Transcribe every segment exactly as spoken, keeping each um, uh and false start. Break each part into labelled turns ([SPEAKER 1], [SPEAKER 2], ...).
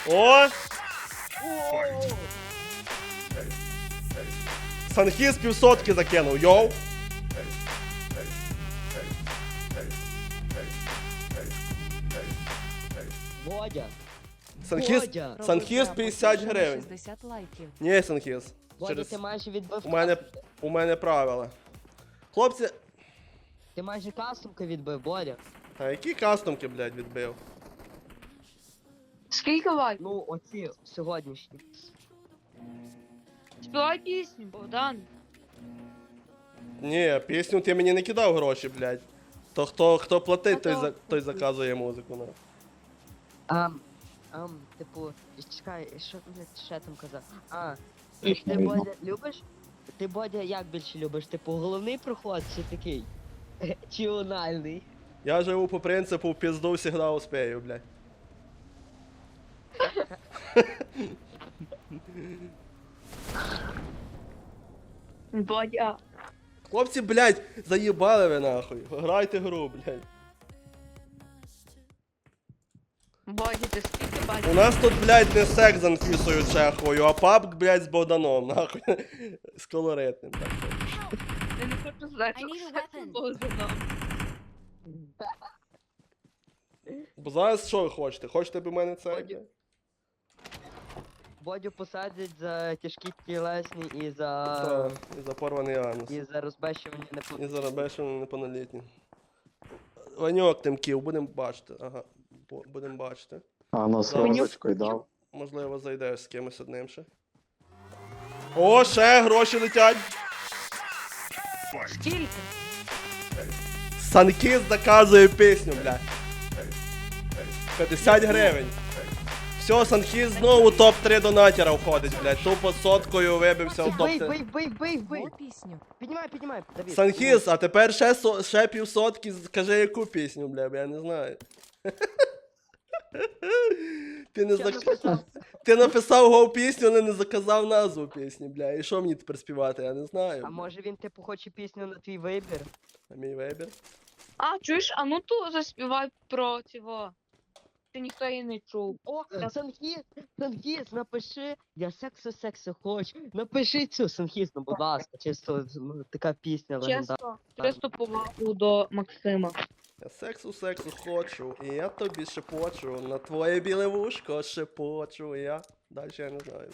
[SPEAKER 1] О! Санхіз півсотки закинув, йоу!
[SPEAKER 2] Бодя.
[SPEAKER 1] Санхіз,
[SPEAKER 2] Бодя.
[SPEAKER 1] Санхіз п'ятдесят гривень.
[SPEAKER 3] шістдесят лайків.
[SPEAKER 1] Ні, Санхіз.
[SPEAKER 2] Бодя,
[SPEAKER 1] Через...
[SPEAKER 2] ти майже відбив
[SPEAKER 1] У мене,
[SPEAKER 2] кастомки.
[SPEAKER 1] у мене правила. Хлопці...
[SPEAKER 2] Ти майже кастомки відбив, Бодя.
[SPEAKER 1] А які кастомки, блядь, відбив?
[SPEAKER 4] Скільки лайків?
[SPEAKER 2] Ну, оці сьогоднішні.
[SPEAKER 4] Співай пісню, Богдан.
[SPEAKER 1] Ні, пісню ти мені не кидав гроші, блядь. То хто, хто платить, той,
[SPEAKER 4] А то-
[SPEAKER 1] за, той заказує музику. Ну.
[SPEAKER 2] Ам, ам, типу, чекай, що ти ще там казав? А,
[SPEAKER 5] Їх не
[SPEAKER 2] ти,
[SPEAKER 5] видно.
[SPEAKER 2] Бодя, любиш? Ти, Бодя, як більше любиш? Типу, головний проход чи такий? Чи ональний?
[SPEAKER 1] Я живу по принципу в пізду всегда успею, блядь.
[SPEAKER 4] Бодя.
[SPEAKER 1] Хлопці, блядь, заїбали ви нахуй. Грайте гру, блядь.
[SPEAKER 4] Бодя, ти скільки
[SPEAKER 1] У
[SPEAKER 4] бачиш?
[SPEAKER 1] нас тут, блядь, не секс з Анфісою Чеховою, а паб, блядь, з Богданом, нахуй. З колоритним, так.
[SPEAKER 4] Я не хочу знати,
[SPEAKER 3] I need a
[SPEAKER 4] що це
[SPEAKER 3] weapon.
[SPEAKER 4] Богданом.
[SPEAKER 1] Бо зараз що ви хочете? Хочете б у мене це?
[SPEAKER 2] Бодя. Бодю посадять за тяжкі тілесні і за...
[SPEAKER 1] Так, і за порваний анус.
[SPEAKER 2] І за розбещування не
[SPEAKER 1] І за рабешину неповнолітні. Ваньок Тимків, будемо бачити. Ага, бу- будемо бачити.
[SPEAKER 5] А на сорочкою дав.
[SPEAKER 1] Можливо, зайдеш з кимось одним ще. О, ще гроші летять!
[SPEAKER 4] Скільки?
[SPEAKER 1] Санкіс заказує пісню, бля. п'ятдесят гривень. Все, Санхіз знову топ три донатера входить, блядь. Тупо соткою вибився в топ
[SPEAKER 2] Бий,
[SPEAKER 1] три.
[SPEAKER 2] бий, бий, бий, бий!
[SPEAKER 3] Мов пісню.
[SPEAKER 2] Піднімай, піднімай, Давід.
[SPEAKER 1] Санхіз, а тепер ще, со- ще півсотки, скажи яку пісню, бля, бо я не знаю. Ти не
[SPEAKER 2] Я
[SPEAKER 1] зак...
[SPEAKER 2] написав.
[SPEAKER 1] Ти написав гов пісню, але не заказав назву пісні, бля. І що мені тепер співати, я не знаю.
[SPEAKER 2] А може він типу хоче пісню на твій вибір?
[SPEAKER 1] А мій вибір?
[SPEAKER 4] А, чуєш, а ну ту заспівай про цього. Ти ніхто її не чув.
[SPEAKER 2] О, Санхіз, Санхіз, напиши, я сексу сексу хочу. Напиши цю Санхіз, ну будь ласка, чисто ну, така пісня легендарна.
[SPEAKER 4] Чесно, чисто повагу до Максима.
[SPEAKER 1] Я сексу сексу хочу, і я тобі шепочу, на твоє біле вушко шепочу, і я... Далі я не знаю.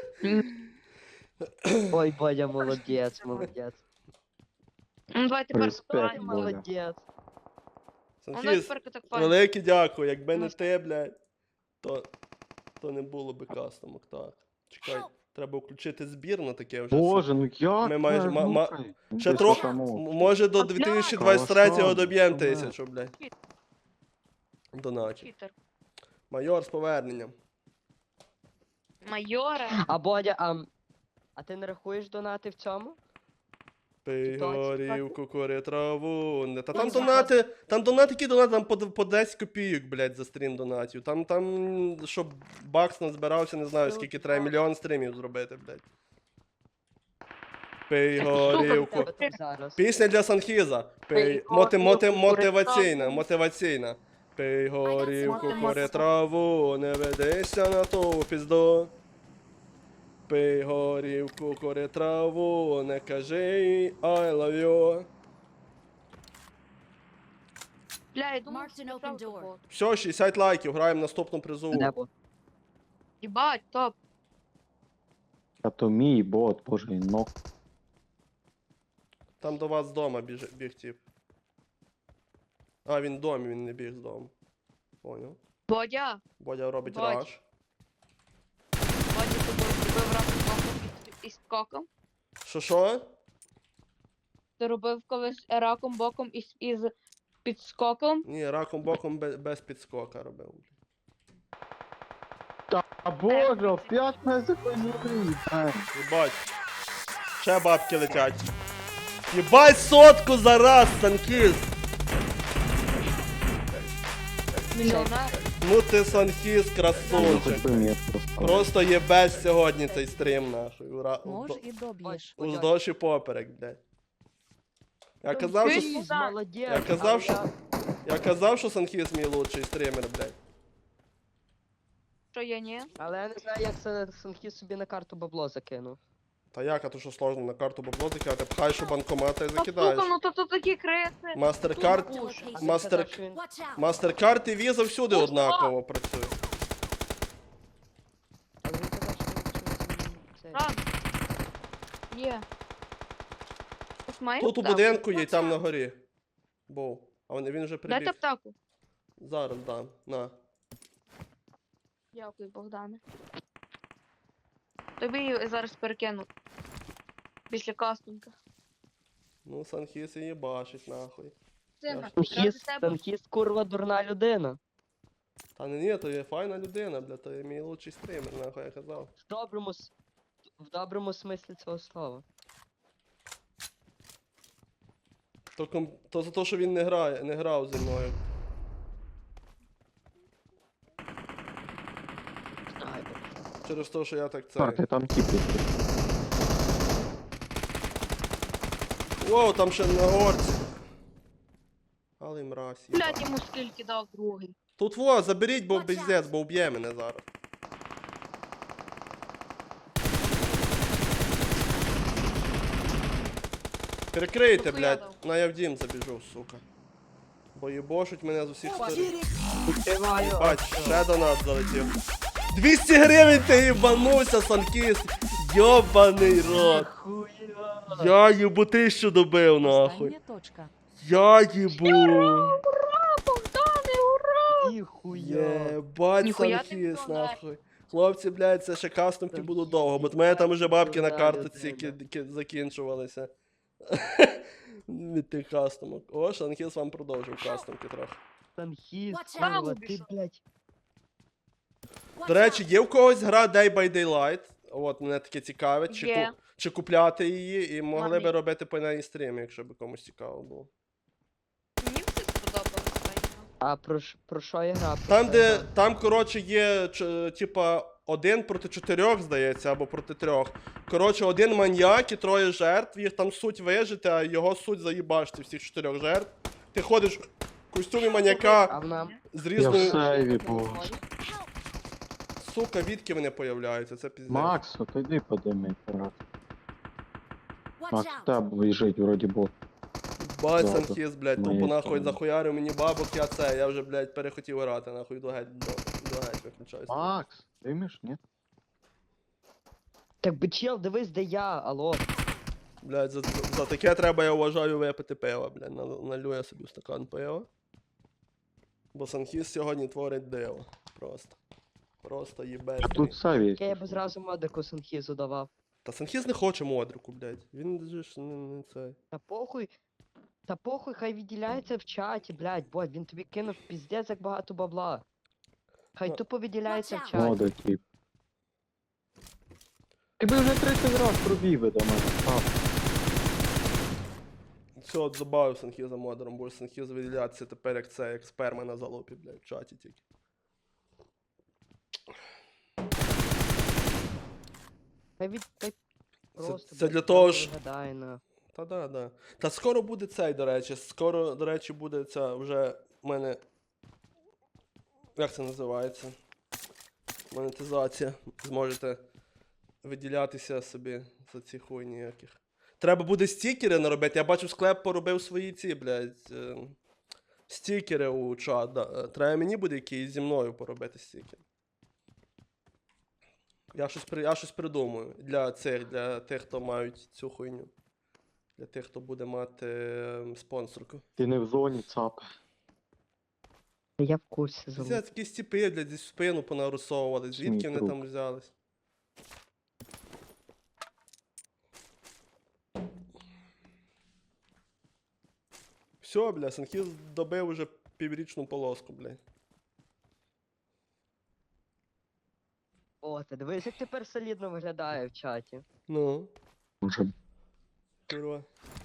[SPEAKER 2] Ой, Бодя, молодець, молодець.
[SPEAKER 4] Ну давай тепер
[SPEAKER 5] Респект,
[SPEAKER 4] співаємо.
[SPEAKER 5] Бодя.
[SPEAKER 2] Молодець.
[SPEAKER 4] Ну давай
[SPEAKER 1] Санхіз,
[SPEAKER 4] тепер так файно.
[SPEAKER 1] велике дякую, якби не
[SPEAKER 4] Ну,
[SPEAKER 1] ти, блядь, то, то не було би кастомок, так. Чекай, треба включити збір на таке вже.
[SPEAKER 5] Боже, ну як?
[SPEAKER 1] Ми майже-
[SPEAKER 5] так,
[SPEAKER 1] ма-
[SPEAKER 5] ну,
[SPEAKER 1] ма-
[SPEAKER 5] хай.
[SPEAKER 1] Ще
[SPEAKER 5] Ти
[SPEAKER 1] трохи,
[SPEAKER 5] що там, о?
[SPEAKER 1] м- може до дві тисячі двадцять третього
[SPEAKER 5] Калашон,
[SPEAKER 1] доб'єм
[SPEAKER 5] що, бля?
[SPEAKER 1] тисячу, блядь. Доначі.
[SPEAKER 4] Читер.
[SPEAKER 1] Майор з поверненням.
[SPEAKER 4] Майоре.
[SPEAKER 2] А Бодя, а, а ти не рахуєш донати в цьому?
[SPEAKER 1] Пий
[SPEAKER 2] точно
[SPEAKER 1] горівку, кури траву. Не- Та
[SPEAKER 4] Ну,
[SPEAKER 1] там
[SPEAKER 4] зараз.
[SPEAKER 1] донати, там донати, які донати, там по, по десять копійок, блядь, за стрім донатів. Там, там, щоб бакс назбирався, не знаю,
[SPEAKER 2] Ну,
[SPEAKER 1] скільки треба,
[SPEAKER 2] так.
[SPEAKER 1] мільйон стрімів зробити, блядь. Пий
[SPEAKER 2] Що в
[SPEAKER 1] горівку.
[SPEAKER 2] тебе там зараз?
[SPEAKER 1] Пісня для Санхіза. Пий,
[SPEAKER 4] Пий
[SPEAKER 1] моти, моти,
[SPEAKER 4] горівку,
[SPEAKER 1] мотиваційна,
[SPEAKER 4] кури
[SPEAKER 1] мотиваційна. Пий горівку,
[SPEAKER 4] Мотиваційна.
[SPEAKER 1] кури траву, не ведися на ту пізду. Пий горівку, кури траву, не кажи I love you.
[SPEAKER 4] Бля, я думав,
[SPEAKER 3] Marked
[SPEAKER 4] це
[SPEAKER 3] an open
[SPEAKER 4] правда
[SPEAKER 3] door.
[SPEAKER 4] було.
[SPEAKER 1] Все, шістдесят лайків, граємо наступну призову.
[SPEAKER 2] Небо.
[SPEAKER 4] Єбать, топ.
[SPEAKER 5] А то мій бот, боже, він ног.
[SPEAKER 1] Там до вас з дома біж, біг тип. А, він в домі, він не біг з дому. Поняв.
[SPEAKER 4] Бодя.
[SPEAKER 1] Бодя робить
[SPEAKER 4] Бодь.
[SPEAKER 1] раш.
[SPEAKER 4] Бодя, ти робив раком боком із, із скоком?
[SPEAKER 1] Що що?
[SPEAKER 4] Ти робив колись раком боком із, із підскоком?
[SPEAKER 1] Ні, раком боком без, без підскока робив.
[SPEAKER 5] Та боже, опять мене закоїли.
[SPEAKER 1] Єбать. Ще бабки летять. Єбать сотку за раз, Санкіз!
[SPEAKER 4] Мільйонер?
[SPEAKER 1] Ну ти Санкіз,
[SPEAKER 5] Ну,
[SPEAKER 1] красунчик.
[SPEAKER 5] хоч би метку поставив.
[SPEAKER 1] Просто єбесь сьогодні цей стрім, нахуй. Ура.
[SPEAKER 3] Може
[SPEAKER 1] Уздо-
[SPEAKER 3] і доб'єш.
[SPEAKER 1] Уздовж і поперек, блядь. Я казав, що...
[SPEAKER 2] Санхіз, молодець.
[SPEAKER 1] Я казав,
[SPEAKER 2] але
[SPEAKER 1] що-
[SPEAKER 2] я-
[SPEAKER 1] Я казав, що Санхіз мій лучший стрімер, блядь.
[SPEAKER 4] Що що є, ні?
[SPEAKER 2] Але я не знаю, як це Санхіз собі на карту бабло закинув.
[SPEAKER 1] Та як, а то що сложно на карту бабло закидати, пхаєш у банкомата і
[SPEAKER 4] Та
[SPEAKER 1] закидаєш.
[SPEAKER 4] сука, ну то тут такі креси.
[SPEAKER 1] Мастеркард,
[SPEAKER 2] А він
[SPEAKER 1] мастер,
[SPEAKER 2] казав, що він-
[SPEAKER 1] мастеркард і віза всюди
[SPEAKER 4] Ось,
[SPEAKER 1] однаково працює.
[SPEAKER 2] але він казав, що він щось, м, це-
[SPEAKER 4] Ран. Є. Ось має
[SPEAKER 1] Тут у
[SPEAKER 4] аптеку?
[SPEAKER 1] будинку є, і там на горі. Був. А він, він вже
[SPEAKER 4] Дайте
[SPEAKER 1] прибіг.
[SPEAKER 4] аптеку.
[SPEAKER 1] Зараз дам. На.
[SPEAKER 4] Дякую, Богдане. Тобі її зараз перекину. Після кастинга.
[SPEAKER 1] Ну, Санхіс її бачить, нахуй.
[SPEAKER 4] Сина,
[SPEAKER 1] ж-
[SPEAKER 4] ради
[SPEAKER 2] Санхіз,
[SPEAKER 4] тебе.
[SPEAKER 2] Санхіз, курва, дурна людина.
[SPEAKER 1] Та не ні, то є файна людина, бля, то є мій лучший стрімер, нахуй я казав.
[SPEAKER 2] В доброму, с- в доброму смислі цього слова.
[SPEAKER 1] То, ком... то за те, що він не грає, не грав зі мною.
[SPEAKER 2] Снайпер.
[SPEAKER 1] Через те, що я так це.
[SPEAKER 5] Карти, там тіпи.
[SPEAKER 1] Воу, там ще на горці. Але мразь. їбать.
[SPEAKER 4] Блять, йому скільки дав другий.
[SPEAKER 1] Тут во, заберіть, бо пиздець, бо вб'є мене зараз. Перекрийте,
[SPEAKER 4] Нахуя
[SPEAKER 1] блядь,
[SPEAKER 4] дав?
[SPEAKER 1] на я в дім забіжу, сука. Бо їбошуть мене з усіх сторін.
[SPEAKER 2] Відкриваю.
[SPEAKER 1] Бач, ще донат залетів. двісті гривень ти їбанувся, Санкіс! Йобаний рот!
[SPEAKER 2] Хуя.
[SPEAKER 1] Я їбу тисячу добив, нахуй.
[SPEAKER 3] Остання точка.
[SPEAKER 1] Я їбу!
[SPEAKER 4] Ура, Богдане, ура!
[SPEAKER 2] Ніхуя.
[SPEAKER 1] Єбать,
[SPEAKER 4] Ніхуя ти
[SPEAKER 1] Санкіс,
[SPEAKER 4] вкладаєш.
[SPEAKER 1] нахуй. Хлопці, блядь, це ще кастомки
[SPEAKER 2] Санкіс,
[SPEAKER 1] будуть довго, бо в мене там уже бабки на
[SPEAKER 2] да,
[SPEAKER 1] картоці
[SPEAKER 2] людина.
[SPEAKER 1] ки- ки- закінчувалися. Від тих кастомок. О, Санкіс вам продовжив кастомки трохи.
[SPEAKER 2] Санхіз,
[SPEAKER 3] Watch
[SPEAKER 2] курва,
[SPEAKER 4] out.
[SPEAKER 2] ти, блядь.
[SPEAKER 1] До речі, є в когось гра Day by Daylight. От, мене таке цікавить. Чи,
[SPEAKER 4] Є.
[SPEAKER 1] ку- чи купляти її, і могли
[SPEAKER 4] Мамі.
[SPEAKER 1] би робити по неї стріми, якщо б комусь цікаво було.
[SPEAKER 4] Мені все сподобалося.
[SPEAKER 2] А про, ш- про що я гра? Про
[SPEAKER 1] Там,
[SPEAKER 2] що
[SPEAKER 1] де,
[SPEAKER 2] я гра?
[SPEAKER 1] там, коротше, є, ч- типа, один проти чотирьох, здається, або проти трьох. Коротше, один маньяк і троє жертв, їх там суть вижити, а його суть заїбашити всіх чотирьох жертв. Ти ходиш в костюмі
[SPEAKER 2] А
[SPEAKER 1] маньяка
[SPEAKER 2] вона...
[SPEAKER 1] з
[SPEAKER 5] Я в
[SPEAKER 1] різною...
[SPEAKER 5] сейві був.
[SPEAKER 1] Сука, відки вони появляються, це піздець.
[SPEAKER 5] Макс, от іди подими, брат.
[SPEAKER 3] Watch
[SPEAKER 5] Макс,
[SPEAKER 3] out.
[SPEAKER 5] там біжить, вроді бот.
[SPEAKER 1] Бать,
[SPEAKER 5] Ладно.
[SPEAKER 1] Санхіз, блядь,
[SPEAKER 5] Моє
[SPEAKER 1] тупо нахуй
[SPEAKER 5] сторони.
[SPEAKER 1] захуярив мені бабок, я це, я вже, блядь, перехотів грати, нахуй, до геть, до, до геть виключаюсь.
[SPEAKER 5] Макс, димиш, ні?
[SPEAKER 2] Так би чел, дивись, де я, алло.
[SPEAKER 1] Блядь, за, за, за таке треба, я вважаю, випити пиво, блядь, Нал- налью я собі в стакан пива. Бо Санхіз сьогодні творить диво, просто. Просто їбець.
[SPEAKER 5] А тут сейві.
[SPEAKER 2] Я, я б зразу модику Санхізу давав.
[SPEAKER 1] Та Санхіз не хоче модрику, блядь, він же ж не, не цей.
[SPEAKER 2] Та похуй. Та похуй, хай відділяється в чаті, блядь, бо він тобі кинув піздець як багато бабла. Хай
[SPEAKER 1] Ну.
[SPEAKER 2] тупо відділяється в
[SPEAKER 3] Watch out.
[SPEAKER 2] чаті.
[SPEAKER 5] Мода, тип. Ти би вже тридцять раз пробіг би до мене. А,
[SPEAKER 1] Все, от забавив Санхіза модером, бо Санхіз виділятися тепер як це, як сперма на залупі, блядь, в чаті тільки.
[SPEAKER 2] Хай від... Хай просто,
[SPEAKER 1] це
[SPEAKER 2] блядь,
[SPEAKER 1] для того ж-
[SPEAKER 2] виглядає на...
[SPEAKER 1] Та да, да. Та скоро буде цей, до речі. Скоро, до речі, буде ця вже в мене. Як це називається? Монетизація. Зможете виділятися собі за ці хуйні яких. Треба буде стікери наробити. Я бачу, склеп поробив свої ці, блядь. е, Стікери у чат. Да. Е, Треба мені буде якийсь зі мною поробити стікери. Я щось, при- я щось придумаю для цих, для тих, хто мають цю хуйню. Для тих, хто буде мати ем, спонсорку.
[SPEAKER 5] ти не в зоні, цап.
[SPEAKER 2] Я в курсі
[SPEAKER 1] Це
[SPEAKER 2] залу.
[SPEAKER 1] такі стіпи, блядь, зі спину понарисовували. Звідки
[SPEAKER 5] Смій
[SPEAKER 1] вони
[SPEAKER 5] труп.
[SPEAKER 1] там взялись? Все, бля, Санхіз добив уже піврічну полоску, блядь.
[SPEAKER 2] О, ти дивись, як тепер солідно виглядає в чаті.
[SPEAKER 1] Ну,
[SPEAKER 5] Може,
[SPEAKER 1] курва.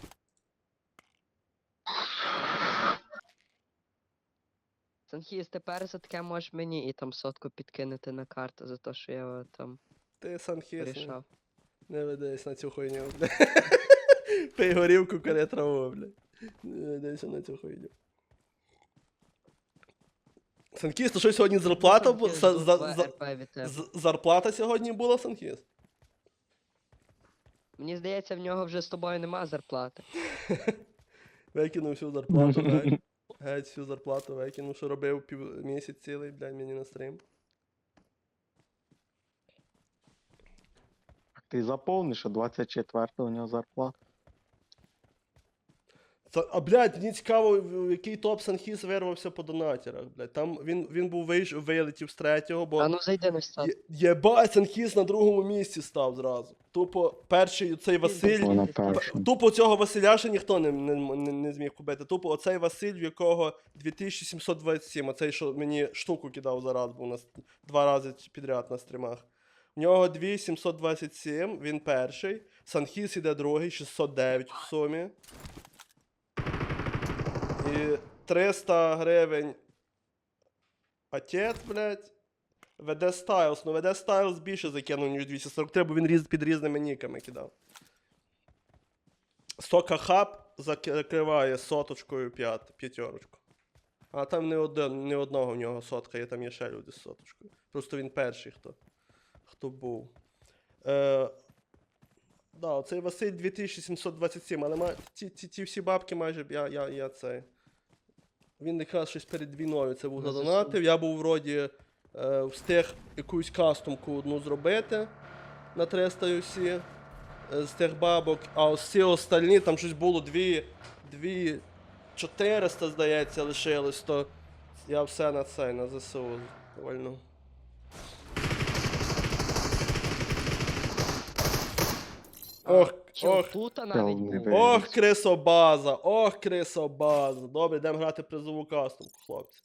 [SPEAKER 2] Санхіз, тепер за таке можеш мені і там сотку підкинути на карту за те, що я е, там
[SPEAKER 1] Ти, Санхіз, не,
[SPEAKER 2] вирішав.
[SPEAKER 1] не ведись на цю хуйню, бля. Пий горівку, коли траву, бля. Не ведися на цю хуйню. Санкіс, то що сьогодні зарплата була?
[SPEAKER 2] Санхіз,
[SPEAKER 1] За,
[SPEAKER 2] тут
[SPEAKER 1] за,
[SPEAKER 2] два
[SPEAKER 1] за,
[SPEAKER 2] РП від тебе.
[SPEAKER 1] з- зарплата сьогодні була, Санкіс?
[SPEAKER 2] Мені здається, в нього вже з тобою нема зарплати.
[SPEAKER 1] Викинув всю зарплату, геть. Геть всю зарплату викинув, що робив пів місяць цілий, блядь, мені на стрім.
[SPEAKER 5] Ти заповниш, що двадцять четвертого у нього зарплата.
[SPEAKER 1] Та, а, блядь, мені цікаво, в в який топ Санхіс вирвався по донатерах, блядь. Там він, він був вийш, вилетів з третього, бо...
[SPEAKER 2] А ну зайди на стат.
[SPEAKER 1] Є- Єбать, Санхіс на другому місці став зразу. Тупо перший цей Василь.
[SPEAKER 5] Тупо на
[SPEAKER 2] П-
[SPEAKER 5] першому.
[SPEAKER 1] Тупо цього Василя ще ніхто не, не, не, не зміг побити. Тупо оцей Василь, в якого дві тисячі сімсот двадцять сім, оцей, що мені штуку кидав зараз, був на, с- два рази підряд на стрімах. В нього дві тисячі сімсот двадцять сім, він перший. Санхіс іде другий, шістсот дев'ять в сумі. І триста гривень. Отець, блядь. ве де Styles. Ну, ве де Styles більше закинув, ніж двісті сорок три, бо він різ, під різними ніками кидав. Сока Хаб закриває соточкою п'ят, п'ятерочку. А там не, один, не одного в нього сотка, є там є ще люди з соточкою. Просто він перший, хто, хто був. Е, да, оцей Василь дві тисячі сімсот двадцять сім, але ма, ті, ті, ті всі бабки майже б я, я, я цей. Він якраз щось перед війною це був
[SPEAKER 2] Ну,
[SPEAKER 1] задонатив. Я був вроді е, встиг якусь кастомку одну зробити на триста ю сі е, з тих бабок, а всі остальні там щось було дві, дві чотириста, здається, лишилось, то я все на цей, на зе се у вольну. Ох,
[SPEAKER 2] Чел,
[SPEAKER 1] ох,
[SPEAKER 2] тут навіть
[SPEAKER 5] Чел, не
[SPEAKER 2] був.
[SPEAKER 5] вийде.
[SPEAKER 1] ох, крисобаза, ох, крисобаза. Добре, йдемо грати призову кастомку, хлопці.